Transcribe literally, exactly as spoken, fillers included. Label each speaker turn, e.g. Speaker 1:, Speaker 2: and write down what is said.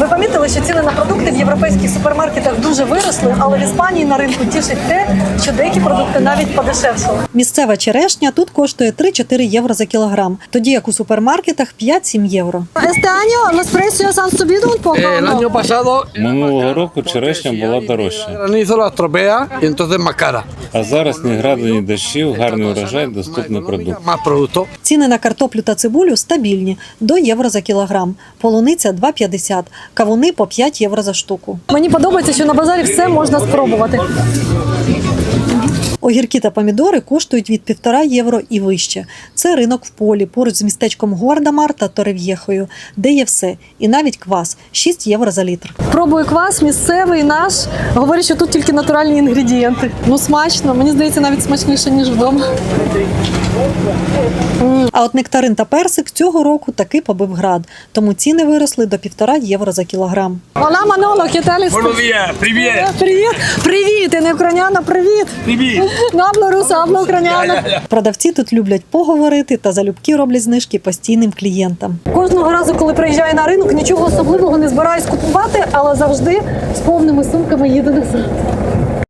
Speaker 1: Ви помітили, що ціни на продукти в європейських супермаркетах дуже виросли, але в Іспанії на ринку тішить те, що деякі продукти навіть подешевшали. Місцева черешня тут коштує три-чотири євро за кілограм, тоді як у супермаркетах п'ять-сім євро.
Speaker 2: Este año los precios han subido un poco,
Speaker 3: El
Speaker 2: ¿no?
Speaker 3: año pasado
Speaker 4: Минулого року черешня була дорожча,
Speaker 3: granizo la estropea y entonces más cara.
Speaker 4: а зараз ні граду, ні дощів, гарний урожай, доступний продукт.
Speaker 3: Más producto.
Speaker 1: Ціни на картоплю та цибулю стабільні – до євро за кілограм. Полуниця – два п'ятдесят, кавуни – по п'ять євро за штуку. Мені подобається, що на базарі все можна спробувати. Огірки та помідори коштують від півтора євро і вище. Це ринок в полі, поруч з містечком Гуардамар та Торев'єхою, де є все. І навіть квас – шість євро за літр. Пробую квас місцевий наш. Говорять, що тут тільки натуральні інгредієнти. Ну смачно, мені здається, навіть смачніше, ніж вдома. А от нектарин та персик цього року таки побив град. Тому ціни виросли до півтора євро за кілограм. Ола, Маноло, ¿qué tal?
Speaker 5: Buenos días, привет!
Speaker 1: Привіт! Привіт! Я не україняна, привіт!
Speaker 5: Привіт!
Speaker 1: Ну, абло руса, абло україняна. Продавці тут люблять поговорити та залюбки роблять знижки постійним клієнтам. Кожного разу, коли приїжджаю на ринок, нічого особливого не збираюсь купувати, але завжди з повними сумками їду назад.